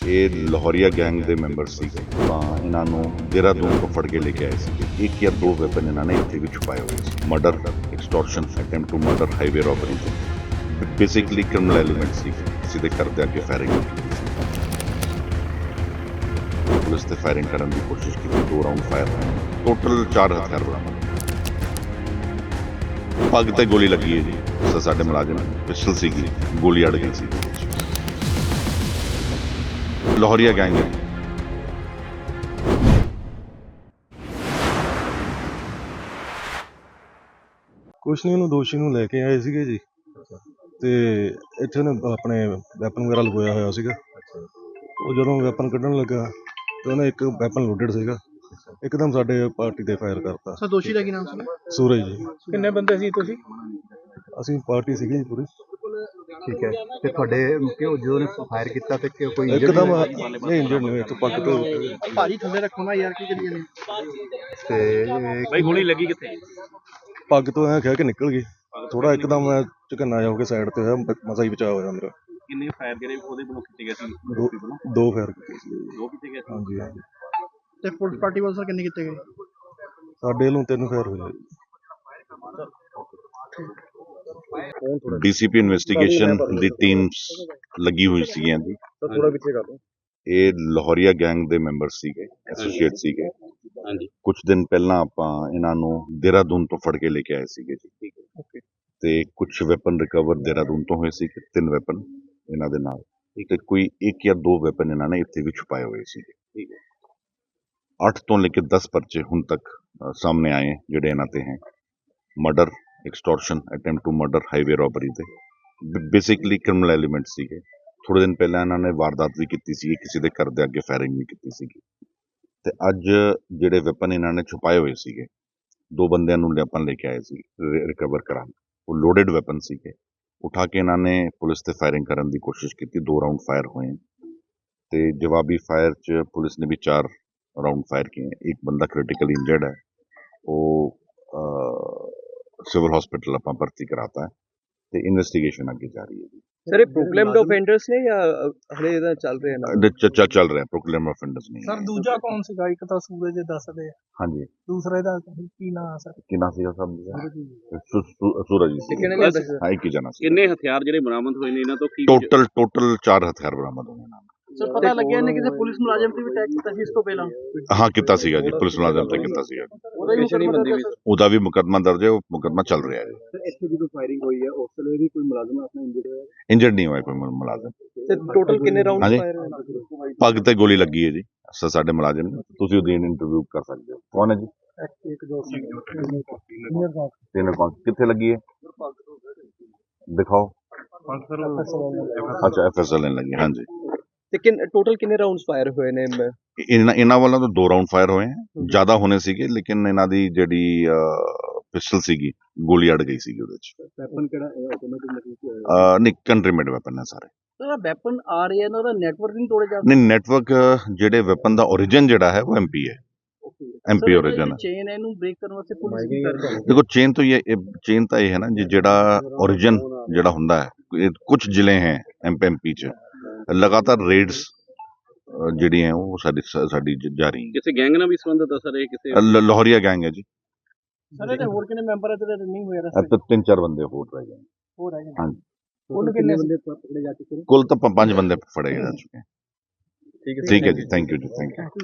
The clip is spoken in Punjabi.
ਇਹ ਲਾਹੌਰੀਆ ਗੈਂਗ ਦੇ ਮੈਂਬਰ ਸੀਗੇ ਤਾਂ ਇਹਨਾਂ ਨੂੰ ਦੇਹਰਾਦੂਨ ਤੋਂ ਫੜ ਕੇ ਲੈ ਕੇ ਆਏ ਸੀਗੇ। ਇੱਕ ਜਾਂ ਦੋ ਵੈਪਨ ਇਹਨਾਂ ਨੇ ਇੱਥੇ ਵੀ ਛੁਪਾਏ ਹੋਏ ਸੀ। Murder, extortion, attempt to murder, highway robbery ਤੇ ਬੇਸਿਕਲੀ ਕ੍ਰਿਮੀਨਲ ਐਲੀਮੈਂਟ ਸੀ। ਕਿਸੇ ਦੇ ਘਰ ਦੇ ਅੱਗੇ ਫਾਇਰਿੰਗ ਕੀਤੀ ਸੀ। ਪੁਲਿਸ ਤੇ ਫਾਇਰਿੰਗ ਕਰਨ ਦੀ ਕੋਸ਼ਿਸ਼ ਕੀਤੀ, 2 ਰਾਉਂਡ ਫਾਇਰ ਹੋਏ। ਟੋਟਲ 4 ਹਥਿਆਰ ਬਰਾਮਦ। ਪੱਗ ਤੇ ਗੋਲੀ ਲੱਗੀ ਹੈ ਜੀ। ਸਾਡੇ ਮੁਲਾਜ਼ਮ ਪਿਸਟਲ ਸੀਗੀ, ਗੋਲੀ ਅੜ ਗਈ ਸੀ। ਲਾਹੌਰੀਆ ਗੈਂਗ ਹੈ। ਕੁਛ ਨਹੀਂ, ਉਹਨੂੰ ਦੋਸ਼ੀ ਨੂੰ ਲੈ ਕੇ ਆਏ ਸੀਗੇ ਜੀ ਤੇ ਇੱਥੇ ਉਹਨੇ ਆਪਣੇ ਵੈਪਨ ਵਗੈਰਾ ਲਗਾਇਆ ਹੋਇਆ ਸੀਗਾ। ਉਹ ਜਦੋਂ ਵੈਪਨ ਕੱਢਣ ਲੱਗਾ ਤੇ ਉਹਨੇ ਇੱਕ ਵੈਪਨ ਲੋਡਡ ਸੀਗਾ, ਇੱਕਦਮ ਸਾਡੇ ਪਾਰਟੀ ਤੇ ਫਾਇਰ ਕਰਤਾ। ਸਰ ਦੋਸ਼ੀ ਦਾ ਕੀ ਨਾਮ ਸੀ? ਸੂਰਜ ਜੀ। ਕਿੰਨੇ ਬੰਦੇ ਸੀ ਤੁਸੀਂ? ਅਸੀਂ ਪਾਰਟੀ ਸੀਗੀ ਜੀ ਪੂਰੀ। ਠੀਕ ਹੈ। ਤੇ ਤੁਹਾਡੇ ਜਦੋਂ ਨੇ ਫਾਇਰ ਕੀਤਾ ਤੇ ਕੋਈ ਇੱਕਦਮ ਨਹੀਂ ਇੰਜਰਡ ਨਹੀਂ ਹੋਏ। ਇੱਥੇ ਪੱਗ ਤੋਂ ਭਾਜੀ ਥੱਲੇ ਰੱਖੋ ਨਾ ਯਾਰ, ਕੀ ਕਰੀਏ ਨੇ? ਤੇ ਭਾਈ ਗੋਲੀ ਲੱਗੀ ਕਿੱਥੇ? ਪੱਗ ਤੋਂ ਐਂ ਕਹਿ ਕੇ ਨਿਕਲ ਗਈ। ਥੋੜਾ ਇੱਕਦਮ ਮੈਂ ਝਕੰਨਾ ਜਾ ਹੋ ਕੇ ਸਾਈਡ ਤੇ ਹੋਇਆ, ਮਸਾ ਹੀ ਬਚਾਅ ਹੋਇਆ ਮੇਰਾ। ਕਿੰਨੇ ਫਾਇਰ ਜਿਹੜੇ ਉਹਦੇ ਵੱਲੋਂ ਕੀਤੇ ਗਏ ਸੀ? ਦੋ ਫਾਇਰ ਕੀਤੇ ਸੀ। 2 ਕੀਤੇ ਗਏ ਸੀ? ਹਾਂਜੀ ਹਾਂਜੀ। ਤੇ ਪੁਲਿਸ ਪਾਰਟੀ ਵੱਲੋਂ ਸਰ ਕਿੰਨੇ ਕੀਤੇ ਗਏ? ਸਾਡੇ ਵੱਲੋਂ 3 ਫਾਇਰ ਹੋਏ। ਡੀਸੀਪੀ ਇਨਵੈਸਟੀਗੇਸ਼ਨ ਦੀ ਟੀਮਸ ਲੱਗੀ ਹੋਈ ਸੀਗੀਆਂ ਜੀ। ਥੋੜਾ ਪਿੱਛੇ ਕਰ ਦੋ। ਇਹ ਲਾਹੌਰੀਆ ਗੈਂਗ ਦੇ ਮੈਂਬਰ ਸੀਗੇ, ਐਸੋਸੀਏਟ ਸੀਗੇ। ਹਾਂਜੀ। ਕੁਝ ਦਿਨ ਪਹਿਲਾਂ ਆਪਾਂ ਇਹਨਾਂ ਨੂੰ ਦੇਹਰਾਦੂਨ ਤੋਂ ਫੜ ਕੇ ਲੈ ਕੇ ਆਏ ਸੀਗੇ ਜੀ। ਓਕੇ। ਤੇ ਕੁਝ ਵੈਪਨ ਰਿਕਵਰ ਦੇਹਰਾਦੂਨ ਤੋਂ ਹੋਏ ਸੀ। 3 ਵੈਪਨ ਇਹਨਾਂ ਦੇ ਨਾਲ, ਤੇ ਕੋਈ 1 ਜਾਂ 2 ਵੈਪਨ ਇਹਨਾਂ ਨੇ ਇੱਥੇ ਵੀ ਛੁਪਾਏ ਹੋਏ ਸੀਗੇ। ਠੀਕ ਹੈ। 8 ਤੋਂ ਲੈ ਕੇ 10 ਪਰਚੇ ਹੁਣ ਤੱਕ ਸਾਹਮਣੇ ਆਏ ਜਿਹੜੇ ਇਹਨਾਂ ਤੇ ਹੈ। Murder, extortion, attempt to murder, highway robbery ਤੇ ਬੇਸਿਕਲੀ ਕ੍ਰਿਮੀਨਲ ਐਲੀਮੈਂਟ ਸੀਗੇ। ਥੋੜੇ ਦਿਨ ਪਹਿਲਾਂ ਇਹਨਾਂ ਨੇ ਵਾਰਦਾਤ ਵੀ ਕੀਤੀ ਸੀ, ਕਿਸੇ ਦੇ ਘਰ ਦੇ ਅੱਗੇ ਫਾਇਰਿੰਗ ਵੀ ਕੀਤੀ ਸੀਗੀ। ਤੇ ਅੱਜ ਜਿਹੜੇ ਵੈਪਨ ਇਹਨਾਂ ਨੇ ਛੁਪਾਏ ਹੋਏ ਸੀਗੇ, 2 ਬੰਦਿਆਂ ਨੂੰ ਆਪਾਂ ਲੈ ਕੇ ਆਏ ਸੀ ਰਿਕਵਰ ਕਰਾਉਣ। ਉਹ ਲੋਡਡ ਵੈਪਨ ਸੀਗੇ। ਉਠਾ ਕੇ ਇਹਨਾਂ ਨੇ ਪੁਲਿਸ ਤੇ ਫਾਇਰਿੰਗ ਕਰਨ ਦੀ ਕੋਸ਼ਿਸ਼ ਕੀਤੀ। 2 ਰਾਉਂਡ ਫਾਇਰ ਹੋਏ ਤੇ ਜਵਾਬੀ ਫਾਇਰ 'ਚ ਪੁਲਿਸ ਨੇ ਵੀ 4 ਰਾਉਂਡ ਫਾਇਰ ਕੀਏ। ਇੱਕ ਬੰਦਾ ਕ੍ਰਿਟੀਕਲ ਇੰਜਰਡ ਹੈ, ਉਹ ਸਿਵਲ ਹਸਪੀਟਲ ਆਪਾਂ ਭਰਤੀ ਕਰਾਤਾ ਹੈ ਤੇ ਇਨਵੈਸਟੀਗੇਸ਼ਨ ਅੱਗੇ ਜਾਰੀ ਹੈ ਜੀ। ਸਰ ਇਹ ਪ੍ਰੋਕਲੇਮਡ ਆਫੈਂਡਰਸ ਨੇ ਜਾਂ ਹਲੇ ਇਹਦਾ ਚੱਲ ਰਿਹਾ ਨਾ? ਚੱਲ ਰਿਹਾ, ਪ੍ਰੋਕਲੇਮ ਆਫੈਂਡਰਸ ਨਹੀਂ ਸਰ ਦੂਜਾ ਕੌਣ ਸੀਗਾ? ਇੱਕ ਤਾਂ ਸੂਰਜ ਦੱਸਦੇ ਆ, ਹਾਂਜੀ। ਦੂਸਰੇ ਦਾ ਕੀ ਨਾਮ ਆ ਸਰ? ਕੀ ਨਾਮ ਸੀਗਾ ਸਭ? ਸੂਰਜ ਜੀ ਸੀ। ਹਾਂ, ਇੱਕ ਹੀ ਜਣਾ ਸੀ। ਕਿੰਨੇ ਹਥਿਆਰ ਜਿਹੜੇ ਬਰਾਮਦ ਹੋਏ ਨੇ ਇਹਨਾਂ ਤੋਂ? ਕੀ ਟੋਟਲ 4 ਹਥਿਆਰ ਬਰਾਮਦ ਹੋਏ ਨਾਲ। ਸਰ ਪਤਾ ਲੱਗਿਆ ਇਹਨੇ ਕਿਸੇ ਪੁਲਿਸ ਮੁਲਾਜ਼ਮ ਤੇ ਵੀ ਅਟੈਕ ਕੀਤਾ ਸੀ ਇਸ ਤੋਂ ਪਹਿਲਾਂ? ਹਾਂ, ਕੀਤਾ ਸੀਗਾ ਜੀ, ਪੁਲਿਸ ਮੁਲਾਜ਼ਮ ਤੇ ਕੀਤਾ ਸੀਗਾ। ਉਹਦਾ ਵੀ ਮੁਕੱਦਮਾ ਦਰਜ ਹੈ, ਉਹ ਮੁਕੱਦਮਾ ਚੱਲ ਰਿਹਾ ਹੈ। ਇੱਥੇ ਜਦੋਂ ਫਾਇਰਿੰਗ ਹੋਈ ਹੈ ਉਸ ਵੇਲੇ ਵੀ ਕੋਈ ਮੁਲਾਜ਼ਮ ਆਪਣਾ ਇੰਜਰਡ ਹੋਇਆ? ਇੰਜਰਡ ਨਹੀਂ ਹੋਇਆ ਕੋਈ ਮੁਲਾਜ਼ਮ। ਤੇ ਟੋਟਲ ਕਿੰਨੇ ਰਾਉਂਡ ਹਾਂਜੀ। ਫਾਇਰ ਹੋਏ? ਪੱਗ ਤੇ ਗੋਲੀ ਲੱਗੀ ਹੈ ਜੀ। ਸਾਡੇ ਮੁਲਾਜ਼ਮ ਨੇ, ਤੁਸੀਂ ਉਹਦੀ ਇੰਟਰਵਿਊ ਕਰ ਸਕਦੇ ਹੋ। ਕੌਣ ਹੈ ਜੀ? ਕਿੱਥੇ ਲੱਗੀ ਹੈ? ਦਿਖਾਓ। ਅੱਛਾ, FSL ਲੱਗੀ। ਹਾਂਜੀ। ਤੇ ਟੋਟਲ ਕਿੰਨੇ ਰਾਉਂਡਸ ਫਾਇਰ ਹੋਏ ਨੇ? ਇਹਨਾਂ ਵੱਲੋਂ ਤਾਂ 2 ਰਾਉਂਡ ਫਾਇਰ ਹੋਏ ਹੈ। ਜ਼ਿਆਦਾ ਹੋਣੇ ਸੀਗੇ ਲੇਕਿਨ ਇਹਨਾਂ ਦੀ ਜਿਹੜੀ ਪਿਸਟਲ ਸੀਗੀ, ਗੋਲੀ ਅੜ ਗਈ ਸੀਗੀ ਉਹਦੇ 'ਚ। ਵੈਪਨ ਕਿਹੜਾ ਆਟੋਮੈਟਿਕ? ਨਹੀਂ, ਕੰਟਰੀ ਮੇਡ ਵੈਪਨ ਹੈ ਸਾਰੇ। ਸਰ ਵੈਪਨ ਆ ਰਹੇ ਇਹਨਾਂ ਦਾ ਨੈਟਵਰਕ ਨਹੀਂ ਤੋੜੇ ਜਾ? ਨਹੀਂ, ਨੈਟਵਰਕ ਜਿਹੜੇ ਵੈਪਨ ਦਾ origin ਜਿਹੜਾ ਹੈ ਉਹ MP ਹੈ। MP origin ਹੈ। ਚੇਨ ਇਹਨੂੰ ਬ੍ਰੇਕ ਕਰਨ ਵਾਸਤੇ ਪੁਲਿਸ ਕੀ ਕਰ ਰਹੀ ਹੈ? देखो चेन तो ये है ना जी, जेड़ा ओरिजिन जेड़ा हुंदा है, कुछ जिले हैं MP च लगातार रेड्स ਜਿਹੜੀ ਹੈ ਉਹ ਸਾਡੀ ਜਾਰੀ ਹੈ। ਕਿਸੇ ਗੈਂਗ ਨਾਲ ਵੀ ਸੰਬੰਧਿਤ ਹੈ ਸਰ ਇਹ? ਕਿਸੇ ਲਾਹੌਰੀਆ ਗੈਂਗ ਹੈ ਜੀ। ਸਰ ਇਹਦੇ ਹੋਰ ਕਿੰਨੇ ਮੈਂਬਰ ਹੈ ਜਿਹੜੇ ਨਹੀਂ ਹੋਏ ਰਸਤੇ? 3-4 ਬੰਦੇ ਹੋਰ ਰਹਿ ਗਏ। ਹੋਰ ਹੈਗੇ? ਹਾਂਜੀ। ਉਹਨੂੰ ਕਿੰਨੇ ਬੰਦੇ ਪਕੜੇ ਜਾ ਚੁੱਕੇ ਨੇ? ਕੁੱਲ ਤਾਂ 5 ਬੰਦੇ ਫੜੇ ਜਾ ਚੁੱਕੇ। ਠੀਕ ਹੈ ਜੀ, ਥੈਂਕ ਯੂ ਜੀ, ਥੈਂਕ ਯੂ।